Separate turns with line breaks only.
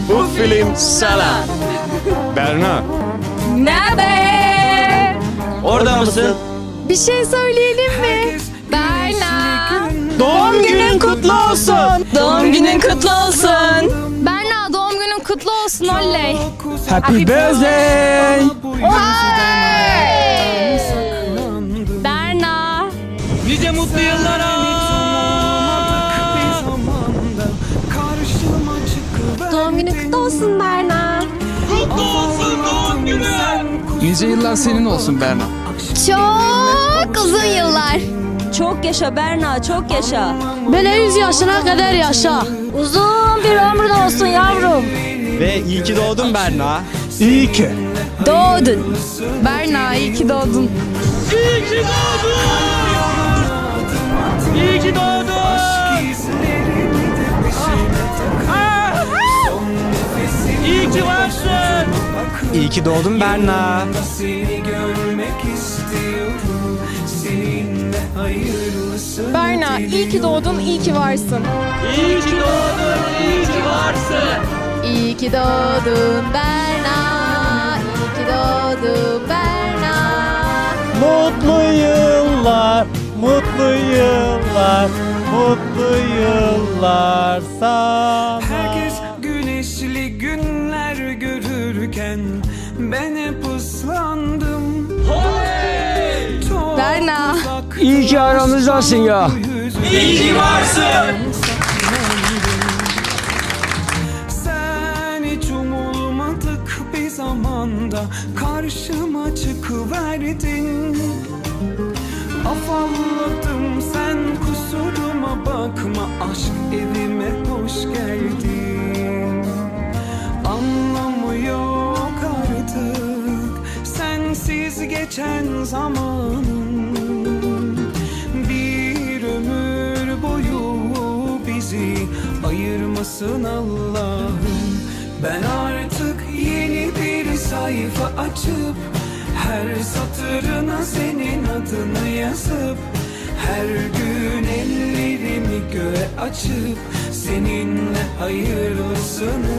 Bu film sana. Berna.
Nerede?
Orada mısın?
Bir şey söyleyelim mi? Berna.
Doğum günün kutlu olsun.
Doğum günün kutlu olsun. Berna doğum günün kutlu olsun oley.
Happy birthday.
Berna.
Nice mutlu yıllara.
Doğum günün kutlu olsun Berna.
Kutlu olsun doğum günü.
Nice yıllar senin olsun Berna.
Çok uzun yıllar.
Çok yaşa Berna, çok yaşa.
Böyle 100 yaşına kadar yaşa.
Uzun bir ömrün olsun yavrum.
Ve iyi ki doğdun Berna.
İyi ki.
Doğdun.
Berna iyi ki doğdun.
İyi ki doğdun. İyi ki doğdun. İyi ki varsın. İyi ki doğdun Berna.
Berna iyi ki doğdun, iyi ki varsın.
İyi ki doğdun, iyi ki varsın.
İyi ki doğdun Berna. İyi ki doğdun Berna.
Mutlu yıllar, mutlu yıllar, mutlu yıllar sana.
Herkes güneşli günler görürken ben hep ıslandım. Çok
Berna.
uzak
İyi ki aramızdasın ya.
İyi ki varsın.
Sen hiç umulmadık bir zamanda karşıma çıkıverdin. Afalladım sen kusuruma bakma, aşk evime hoş geldin. Anlamı yok artık sensiz geçen zamanın. Bir ömür boyu bizi ayırmasın Allah'ım. Ben artık yeni bir sayfa açıp her satırına senin adını yazıp her gün ellerimi göğe açıp seninle hayırlısını